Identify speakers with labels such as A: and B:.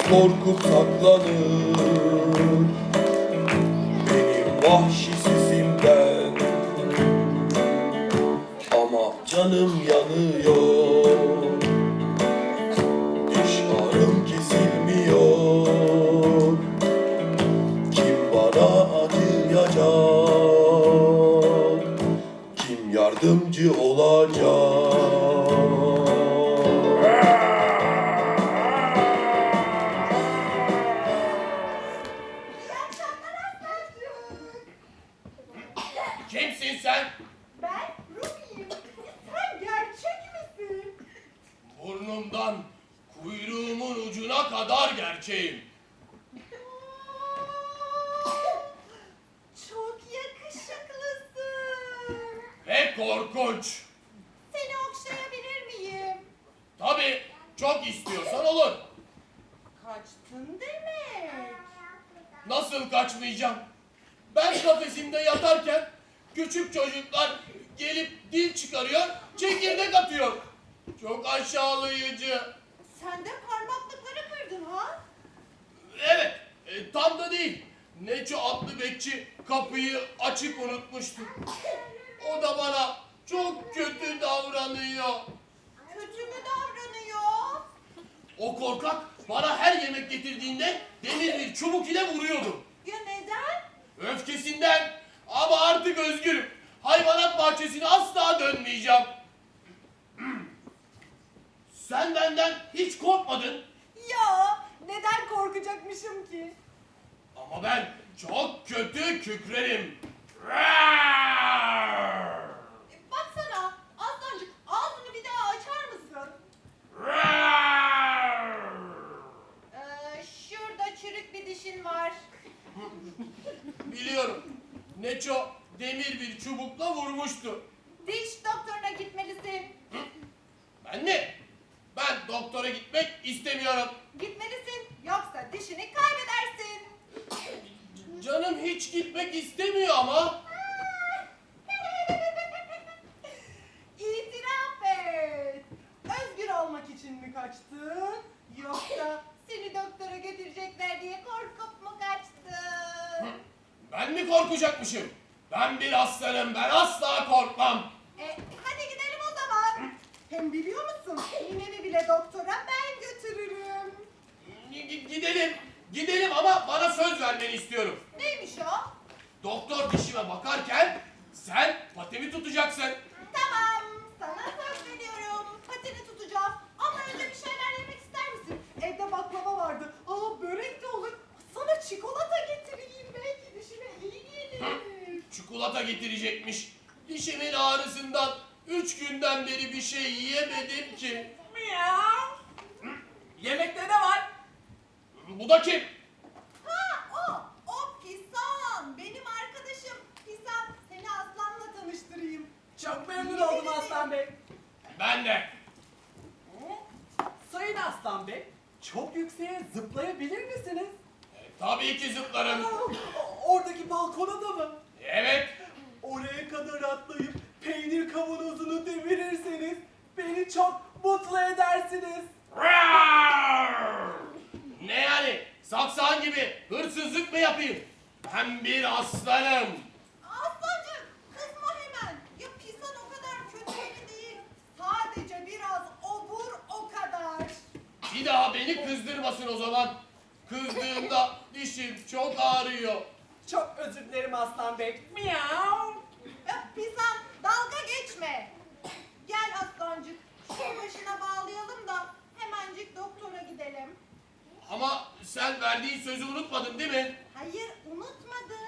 A: korkup saklanır benim vahşi sesimden. Ama canım yanıyor, diş ağrım kesilmiyor. Kim bana acıyacak, kim yardımcı olacak?
B: Kimsin sen?
C: Ben Ruby'yim. Sen gerçek misin?
B: Burnumdan kuyruğumun ucuna kadar gerçeğim.
C: Çok yakışıklısın.
B: Ve korkunç.
C: Seni okşayabilir miyim?
B: Tabii çok istiyorsan olur.
C: Kaçtın demek.
B: Nasıl kaçmayacağım? Ben kafesimde yatarken küçük çocuklar gelip dil çıkarıyor, çekirdek atıyor. Çok aşağılayıcı.
C: Sen de parmaklıkları kırdın ha?
B: Evet, tam da değil. Neço adlı bekçi kapıyı açık unutmuştu. O da bana çok kötü davranıyor.
C: Kötü mü davranıyor?
B: O korkak bana her yemek getirdiğinde demir bir çubuk ile vuruyordu.
C: Ya neden?
B: Öfkesinden. Ama artık özgürüm. Hayvanat bahçesine asla dönmeyeceğim. Sen benden hiç korkmadın.
C: Ya neden korkacakmışım ki?
B: Ama ben çok kötü kükrerim.
C: Baksana Aslancık, ağzını bir daha açar mısın? Şurada çürük bir dişin var.
B: Biliyorum. Neço demir bir çubukla vurmuştu.
C: Diş doktoruna gitmelisin.
B: Ben mi? Ben doktora gitmek istemiyorum.
C: Gitmelisin, yoksa dişini kaybedersin.
B: Canım hiç gitmek istemiyor ama.
C: İtiraf et. Özgür olmak için mi kaçtın? Yoksa seni doktora götürecekler diye korkup mu kaçtın?
B: Ben mi korkacakmışım? Ben bir aslanım, ben asla korkmam.
C: Hadi gidelim o zaman. Hem biliyor musun, ninemi bile doktora ben götürürüm.
B: Gidelim ama bana söz vermeni istiyorum.
C: Neymiş o?
B: Doktor dişime bakarken sen patimi tutacaksın.
C: Tamam, sana söz veriyorum. Patini tutacağım. Ama önce bir şeyler yemek ister misin? Evde baklava vardı. Börek de olur. Sana çikolata getireyim. Belki dişine iyi gelir.
B: Çikolata getirecekmiş. Dişimin ağrısından 3 günden beri bir şey yiyemedim ki.
D: Miyav. Yemekte ne var?
B: Bu da kim?
C: O Pisan. Benim arkadaşım. Pisan, seni Aslan'la tanıştırayım.
D: Çok memnun oldum Aslan Bey.
B: Ben de.
D: Sayın Aslan Bey, çok yükseğe zıplayabilir misiniz?
B: Tabii ki zıplarım.
D: Oradaki balkona da mı?
B: Evet.
D: Oraya kadar atlayıp peynir kavanozunu devirirseniz beni çok mutlu edersiniz.
B: Ne yani? Saksan gibi hırsızlık mı yapayım? Ben bir aslanım.
C: Aslancığım, kızma hemen. Ya Pisan o kadar kötü biri değil. Sadece biraz obur o kadar.
B: Bir daha beni kızdırmasın o zaman. Kızdığımda dişim çok ağrıyor.
D: Çok özür dilerim Aslan Bey. Miyav.
C: Pisan, dalga geçme. Gel Aslancık, şu başına bağlayalım da hemencik doktora gidelim.
B: Ama sen verdiğin sözü unutmadın değil mi?
C: Hayır, unutmadım.